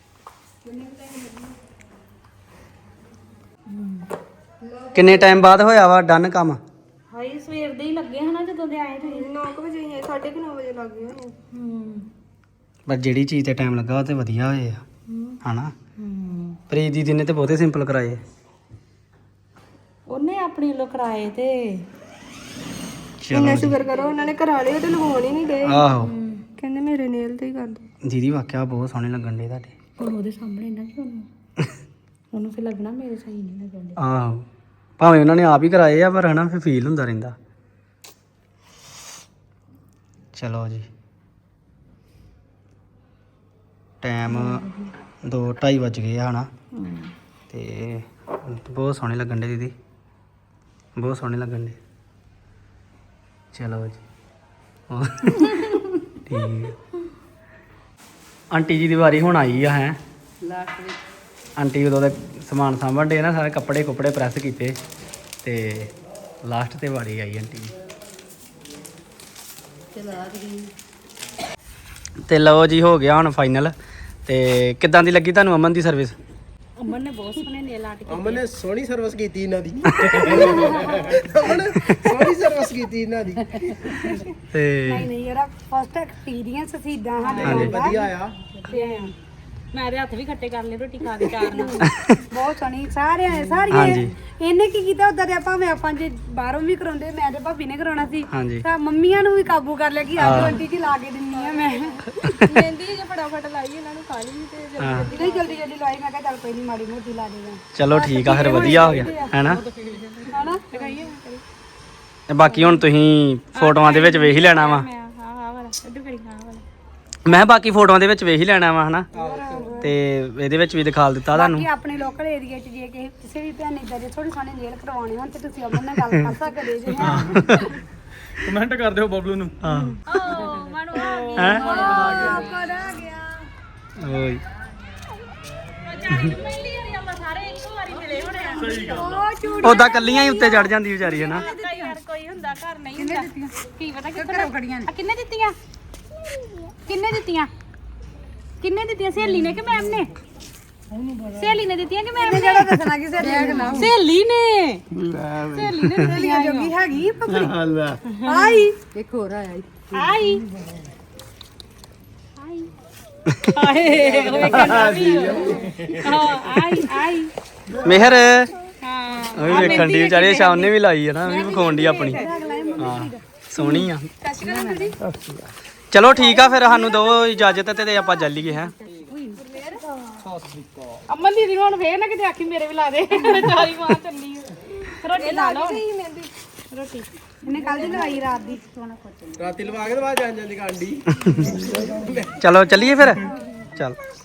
ਕਿੰਨੇ ਟਾਈਮ ਬਾਅਦ ਹੋਇਆ ਵਾ ਡਨ ਕੰਮ ਹਾਈ ਸਵੇਰ ਦੇ ਹੀ ਲੱਗੇ ਹਨਾ ਜਦੋਂ ਦੇ ਆਏ ਤੁਸੀਂ ਨੌ ਵਜੇ ਆਏ ਸਾਢੇ ਕੁ ਨੌ ਵਜੇ ਲੱਗ ਗਏ ਹੋਣੇ ਹੂੰ ਪਰ ਜਿਹੜੀ ਚੀਜ਼ ਤੇ ਟਾਈਮ ਲੱਗਾ ਉਹ ਤੇ ਵਧੀਆ ਹੋਏ ਆ ਹਨਾ ਪ੍ਰੀਤ ਦੀਦੀ ਨੇ ਤੇ ਬਹੁਤੇ ਸਿੰਪਲ ਕਰਾਏ ਉਹਨੇ ਆਪਣੀ ਲੋ ਕਰਾਏ ਤੇ ਚਲੋ ਸ਼ੁਕਰ ਕਰੋ ਉਹਨਾਂ ਨੇ ਕਰਾ ਲਿਆ ਤੇ ਲਗਾਉਣ ਹੀ ਨਹੀਂ ਗਏ ਆਹੋ ਕਹਿੰਦੇ ਮੇਰੇ ਨੇਲ ਤੇ ਹੀ ਕਰ ਦੋ ਦੀਦੀ ਵਾਕਿਆ ਬਹੁਤ ਸੋਹਣੇ ਲੱਗਣ ਡੇ ਤੁਹਾਡੇ ਹੁਣ ਉਹਦੇ ਸਾਹਮਣੇ ਨਾ ਕਿ ਉਹਨੂੰ ਉਹਨੂੰ ਫਿਰ ਲੱਗਣਾ ਮੇਰੇ ਸਹੀ ਨਹੀਂ ਲੱਗਣ ਦੇ ਆਹੋ ਭਾਵੇਂ ਉਹਨਾਂ ਨੇ ਆਪ ਹੀ ਕਰਾਏ ਆ ਪਰ ਹਨਾ ਫਿਰ ਫੀਲ ਹੁੰਦਾ ਰਹਿੰਦਾ ਚਲੋ ਜੀ ਟਾਈਮ ਦੋ ਢਾਈ ਵੱਜ ਗਏ ਆ ਹਨਾ ਤੇ ਬਹੁਤ ਸੋਹਣੇ ਲੱਗਣ ਡੇ ਦੀਦੀ ਬਹੁਤ ਸੋਹਣੇ ਲੱਗਣ ਡੇ ਚਲੋ ਜੀ ਹੋਰ ਠੀਕ ਹੈ। ਆਂਟੀ ਜੀ ਦੀ ਵਾਰੀ ਹੁਣ ਆਈ ਆ ਹੈ ਲਾਸਟ ਵਿੱਚ ਆਂਟੀ ਉਦੋਂ ਦਾ ਸਮਾਨ ਸਾਂਭਣ ਡੇ ਨਾ ਸਾਰੇ ਕੱਪੜੇ ਕੁੱਪੜੇ ਪ੍ਰੈਸ ਕੀਤੇ ਤੇ ਲਾਸਟ ਤੇ ਵਾਰੀ ਆਈ ਆਂਟੀ ਦੀ ਚਲਾ ਦੀ ਤੇ ਲਓ ਜੀ ਹੋ ਗਿਆ ਹੁਣ ਫਾਈਨਲ ਤੇ ਕਿੱਦਾਂ ਦੀ ਲੱਗੀ ਤੁਹਾਨੂੰ ਅਮਨ ਦੀ ਸਰਵਿਸ ਅਮਨ ਨੇ ਬਹੁਤ ਸੋਹਣੇ ਨੇਲ ਆਰਟ ਅਮਨ ਨੇ ਸੋਹਣੀ ਸਰਵਿਸ ਕੀਤੀ ਇਹਨਾਂ ਦੀ ਅਮਨ ਨੇ ਸੋਹਣੀ ਸਰਵਿਸ ਕੀਤੀ ਇਹਨਾਂ ਦੀ ਤੇ ਨਹੀਂ ਨਹੀਂ ਯਾਰ ਫਸਟ ਐਕਸਪੀਰੀਅੰਸ ਸੀ ਇਦਾਂ ਸਾਡੇ ਹਾਂਜੀ। ਨਾਲ ਵਧੀਆ ਆ ਤੇ ਮੈਂ ਤੇ ਹੱਥ ਵੀ ਖੱਟੇ ਕਰ ਲਏ ਰੋਟੀ ਖਾ ਕੇ ਚਾਰ ਨਾਲ ਬਹੁਤ ਸੋਹਣੀ ਸਾਰਿਆਂ ਨੇ ਸਾਰੀਆਂ ਹਾਂਜੀ। ਇਹਨੇ ਕੀ ਕੀਤਾ ਉਦਾਂ ਦੇ ਆਪਾਂ ਮੈਂ ਆਪਾਂ ਜੇ ਬਾਹਰੋਂ ਵੀ ਕਰਾਉਂਦੇ ਮੈਂ ਤੇ ਭਾਬੀ ਨੇ ਕਰਾਉਣਾ ਸੀ ਹਾਂਜੀ ਤਾਂ ਮੰਮੀਆਂ ਨੂੰ ਵੀ ਕਾਬੂ ਕਰ ਲਿਆ ਕਿ ਆਜੋ ਆਂਟੀ ਜੀ ਲਾ ਕੇ ਦਿੰਨੀ ਆ ਮੈਂ ਮਹਿੰਦੀ ਜੇ ਫਟਾਫਟ ਲਾਈ ਇਹਨਾਂ ਨੂੰ ਖਾ ਲਈ ਤੇ ਹਾਂ ਨਹੀਂ ਜਲਦੀ ਜਲਦੀ ਲਾਈ ਮੈਂ ਕਿਹਾ ਚੱਲ ਕੋਈ ਨਹੀਂ ਮਾੜੀ ਮੋਟੀ ਲਾ ਦੇਗਾ ਚਲੋ ਠੀਕ ਆ ਫਿਰ ਵਧੀਆ ਹੋ ਗਿਆ ਹੈਨਾ ਹਨਾ ਤੇ ਬਾਕੀ ਹੁਣ ਤੁਸੀਂ ਫੋਟੋਆਂ ਦੇ ਵਿੱਚ ਵੇਖ ਹੀ ਲੈਣਾ ਵਾ ਮੈਂ ਹਾਂ ਹਾਂ ਵਾਲਾ ਇੱਧਰ ਕਰੀ ਹਾਂ ਵਾਲਾ ਮੈਂ ਕਿਹਾ ਬਾਕੀ ਫੋਟੋਆਂ ਦੇ ਵਿੱਚ ਵੇਖ ਹੀ ਲੈਣਾ ਵਾ ਹਨਾ ਤੇ ਇਹਦੇ ਵਿੱਚ ਵੀ ਦਿਖਾ ਦਿੱਤਾ ਤੁਹਾਨੂੰ ਕਿ ਆਪਣੇ ਲੋਕਲ ਏਰੀਆ 'ਚ ਜੇ ਕਿਸੇ ਕਿਸੇ ਵੀ ਭੈਣ ਇਦਾਂ ਦੇ ਥੋੜੀ ਸੋਹਣੇ ਨੇਲ ਕਰਵਾਉਣੇ ਹੋਣ ਤੇ ਤੁਸੀਂ ਅਮਨ ਨਾਲ ਗੱਲ ਕਰ ਸਕਦੇ ਜੇ ਕਮੈਂਟ ਕਰ ਦਿਓ ਬਬਲੂ ਨੂੰ ਹਾਂ ਓ ਮਨੂ ਆ ਗਈ ਹੈ ਕਰਾ ਗਿਆ ਓਏ ਚਾਰੀ ਪਹਿਲੀ ਵਾਰੀ ਆਪਾਂ ਸਾਰੇ ਇੱਕੋ ਵਾਰੀ ਮਿਲੇ ਹੋਣੇ ਆ ਸਹੀ ਗੱਲ ਉਹ ਚੂੜ ਉਦਾਂ ਕੱਲੀਆਂ ਹੀ ਉੱਤੇ ਚੜ ਜਾਂਦੀ ਵਿਚਾਰੀ ਹੈ ਨਾ ਯਾਰ ਕੋਈ ਹੁੰਦਾ ਘਰ ਨਹੀਂ ਹੁੰਦਾ ਕੀ ਪਤਾ ਕਿੱਥੇ ਖੜੀਆਂ ਨੇ ਕਿੰਨੇ ਦਿੱਤੀਆਂ ਕਿੰਨੇ ਦਿੱਤੀਆਂ ਕਿੰਨੇ ਦਿੱਤੀਆਂ ਸਹੇਲੀ ਨੇ ਕਿ ਮੈਮ ਨੇ ਸਹੇਲੀ ਨੇ ਦਿੱਤੀਆਂ ਕਿ ਮੈਮ ਨੇ ਜਿਹੜਾ ਦੱਸਣਾ ਕਿਸੇ ਨੇ ਸਹੇਲੀ ਨੇ ਸਹੇਲੀ ਨੇ ਸਹੇਲੀਆਂ ਜੋਗੀ ਹੈਗੀ ਪਕੜੀ ਆਈ ਇੱਕ ਹੋਰ ਆਇਆ ਆਈ ਆਈ ਆਏ ਹੋਏ ਕਹਿੰਦਾ ਵੀ ਹਾਂ ਆਈ ਆਈ ਮਿਹਰ ਹਾਂ ਉਹ ਵੀ ਵੇਖਣ ਦੀ ਵਿਚਾਰੀ ਸ਼ਾਮ ਨੇ ਵੀ ਲਾਈ ਹੈ ਨਾ ਉਹ ਵੀ ਵਿਖਾਉਣ ਦੀ ਆਪਣੀ ਹਾਂ ਸੋਹਣੀ ਆ ਚਲੋ ਠੀਕ ਆ ਫਿਰ ਸਾਨੂੰ ਦਿਓ ਇਜਾਜ਼ਤ ਤੇ ਆਪਾਂ ਚੱਲੀਏ ਹੈ ਅਮਨ ਦੀਦੀ ਹੁਣ ਫੇਰ ਨਾ ਕਿਤੇ ਆਖੀ ਮੇਰੇ ਵੀ ਲਾ ਦੇ ਚਾਰੀ ਮਾਂ ਚੱਲੀ ਰੋਟੀ ਲਾ ਲਓ ਰੋਟੀ ਇਹਨੇ ਕੱਲ ਦੀ ਲਵਾਈ ਰਾਤ ਦੀ ਰਾਤੀ ਲਵਾ ਕੇ ਤੇ ਬਾਅਦ ਜਾਣ ਜਾਂਦੀ ਕਾਂਡੀ ਚਲੋ ਚੱਲੀਏ ਫਿਰ ਚੱਲ